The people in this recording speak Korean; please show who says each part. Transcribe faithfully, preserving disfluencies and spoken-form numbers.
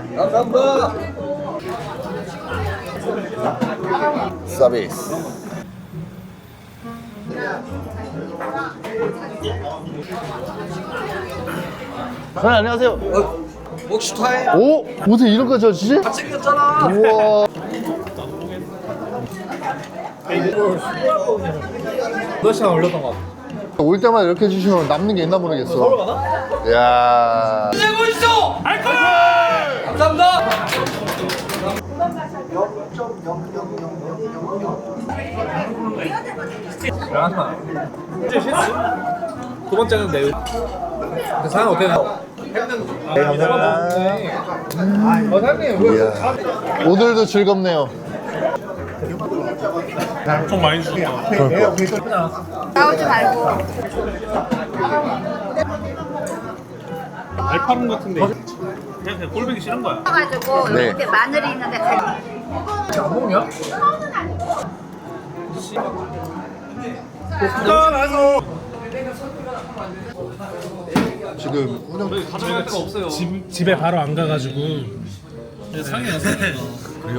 Speaker 1: 감사합니다. 서비스.
Speaker 2: 사장님 안녕하세요.
Speaker 1: 어, 목시 타임.
Speaker 2: 오? 어떻게 이런 거 저지지?
Speaker 1: 잘생겼잖아.
Speaker 2: 우와.
Speaker 3: 몇 시간 올렸던 것 같아.
Speaker 2: 올 때마다 이렇게 해주시면 남는 게 있나 모르겠어.
Speaker 3: 서울 가나?
Speaker 2: 이야.
Speaker 1: 내고 있어. 알콜. 감사합니다.
Speaker 3: 하나. 이제 실수. 두 번째는 내일. 근데 사람 어떻게 나와? 아,
Speaker 2: 네, 감사합니다.
Speaker 3: 어, 사장님 왜
Speaker 2: 이야. 오늘도 즐겁네요.
Speaker 4: 좀 많이 주셨다.
Speaker 5: 나오지 말고.
Speaker 4: 알파룸 같은데 그냥, 그냥 꼴보기 싫은 거야.
Speaker 5: 가지고
Speaker 2: 네.
Speaker 5: 이렇게 마늘이 있는데 같이.
Speaker 3: 안 먹냐?
Speaker 2: 지금 운영
Speaker 3: 가져갈 데가 없어요.
Speaker 4: 집, 집에 바로 안 가가지고 상이 나서